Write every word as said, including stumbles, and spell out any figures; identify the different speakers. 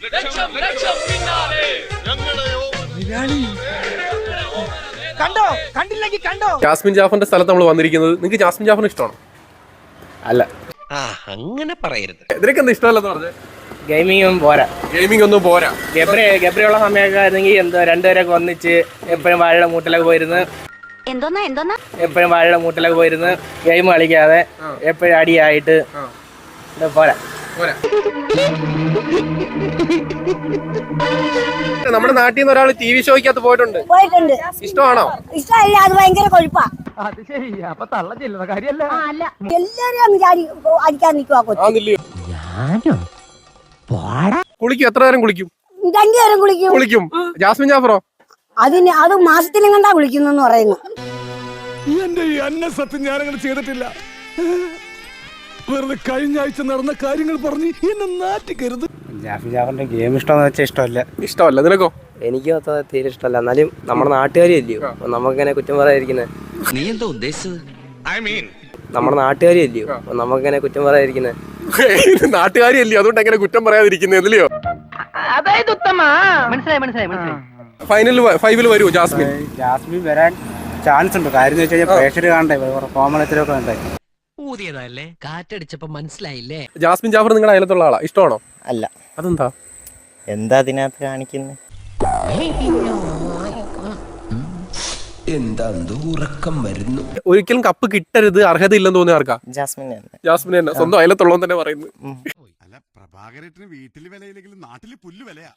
Speaker 1: കണ്ടോ കണ്ടില്ലെങ്കിൽ കണ്ടോ.
Speaker 2: ജാസ്മിൻ ജാഫറിന്റെ സ്ഥലത്ത് നമ്മൾ വന്നിരിക്കുന്നത്. നിങ്ങൾക്ക് ജാസ്മിൻ ജാഫറിന് ഇഷ്ടമാണോ? അല്ല,
Speaker 3: അങ്ങനെ പറയരുത്.
Speaker 2: ഇതിനൊക്കെ എന്താ ഇഷ്ടമല്ലെന്ന് പറഞ്ഞത്?
Speaker 4: ഗെയിമിങ്ങും പോരാ,
Speaker 2: ഗെയിമിംഗ് ഒന്നും പോരാ.
Speaker 4: ഗബ്രി ഗബ്രിയുള്ള സമയമൊക്കെ ആയിരുന്നെങ്കിൽ എന്തോ രണ്ടുപേരൊക്കെ ഒന്നിച്ച് എപ്പോഴും വാഴയുടെ മൂട്ടിലൊക്കെ പോയിരുന്ന്
Speaker 5: എന്തോന്നാ എന്തോന്നാ
Speaker 4: എപ്പോഴും വാഴയുടെ മൂട്ടിലൊക്കെ പോയിരുന്ന് ഗെയിം കളിക്കാതെ എപ്പോഴും അടിയായിട്ട് പോരാ.
Speaker 2: നമ്മുടെ നാട്ടിൽ നിന്ന് ഒരാൾ ടി വി ഷോയ്ക്കകത്ത് പോയിട്ടുണ്ട്.
Speaker 6: പോയിട്ടുണ്ട്.
Speaker 2: ഇഷ്ടമാണോ?
Speaker 6: ഇഷ്ടമല്ല, അത് ഭയങ്കര കൊഴുപ്പാ.
Speaker 1: അത് ശരി. അപ്പൊ തള്ള ചെല്ലുന്ന കാര്യല്ല.
Speaker 6: എല്ലാരും അടിക്കാൻ നിൽക്കുവാ കൊച്ചു.
Speaker 2: കുളിക്കും? എത്ര നേരം കുളിക്കും?
Speaker 6: രണ്ടുപേരും കുളിക്കും.
Speaker 2: കുളിക്കും. ജാസ്മിൻ ജാഫറോ?
Speaker 6: അതിന് അത് മാസത്തിലും കണ്ടാ കുളിക്കുന്നെന്ന് പറയുന്നു.
Speaker 7: എന്റെ ഈ അന്ന സത്യം ഞാനങ്ങനെ ചെയ്തിട്ടില്ല. വെറുതെ കഴിഞ്ഞ ആഴ്ച നടന്ന കാര്യങ്ങൾ പറഞ്ഞ് എന്നെ നാറ്റിക്കരുത്.
Speaker 4: ജാസ്മിൻ ജാഫറിന്റെ ഗെയിം ഇഷ്ടമെന്ന് വെച്ചാൽ ഇഷ്ടമല്ല.
Speaker 2: ഇഷ്ടമല്ല. നിനക്കോ?
Speaker 4: എനിക്കും അത്ര തീരെ ഇഷ്ടമല്ല. എന്നാലും നമ്മുടെ നാട്ടുകാരിയല്ലയോ നമുക്കിങ്ങനെ കുറ്റം പറയാതിരിക്കുന്നത്.
Speaker 3: നീ എന്താ ഉദ്ദേശിച്ചത്? ഐ മീൻ
Speaker 4: നമ്മുടെ നാട്ടുകാരിയല്ലയോ നമുക്കിങ്ങനെ കുറ്റം പറയാതിരിക്കുന്നത്.
Speaker 2: നാട്ടുകാരിയല്ലയോ, അതുകൊണ്ട് എങ്ങനെ കുറ്റം പറയാതിരിക്കുന്നല്ലോ.
Speaker 1: അതായത് ഉത്തമ മനസ്സിലായി മനസ്സിലായി മനസ്സിലായി.
Speaker 2: ഫൈനൽ ഫൈവിൽ വരുമോ ജാസ്മിൻ?
Speaker 4: ജാസ്മിൻ വരാൻ ചാൻസ് ഉണ്ട്. കാര്യം എന്ന് വെച്ച് കഴിഞ്ഞാൽ പ്രേക്ഷകർ കാണണ്ടേ, കോമളത്തിലൊക്കെ വേണ്ടേ.
Speaker 3: ഊതിയതല്ലേ, കാറ്റടിച്ചപ്പോ മനസ്സിലായില്ലേ.
Speaker 2: ജാസ്മിൻ ജാഫർ നിങ്ങളുടെ അയലത്തുള്ള ആളാ? ഇഷ്ടമാണോ?
Speaker 8: അല്ല.
Speaker 2: അതെന്താ?
Speaker 8: എന്താ അതിനകത്ത് കാണിക്കുന്നത്?
Speaker 3: എന്താ ഉറക്കം വരുന്നു.
Speaker 2: ഒരിക്കലും കപ്പ് കിട്ടരുത്, അർഹതയില്ലെന്ന് തോന്നിയ ആർക്കാ?
Speaker 8: ജാസ്മിൻ
Speaker 2: ജാസ്മിൻ തന്നെ. സ്വന്തം അയലത്തുള്ളവൻ തന്നെ പറയുന്നത്.
Speaker 7: അല്ല, പ്രഭാകരേട്ടന് വീട്ടിൽ വിലയില്ലെങ്കിലും നാട്ടിൽ പുല്ല് വിലയാ.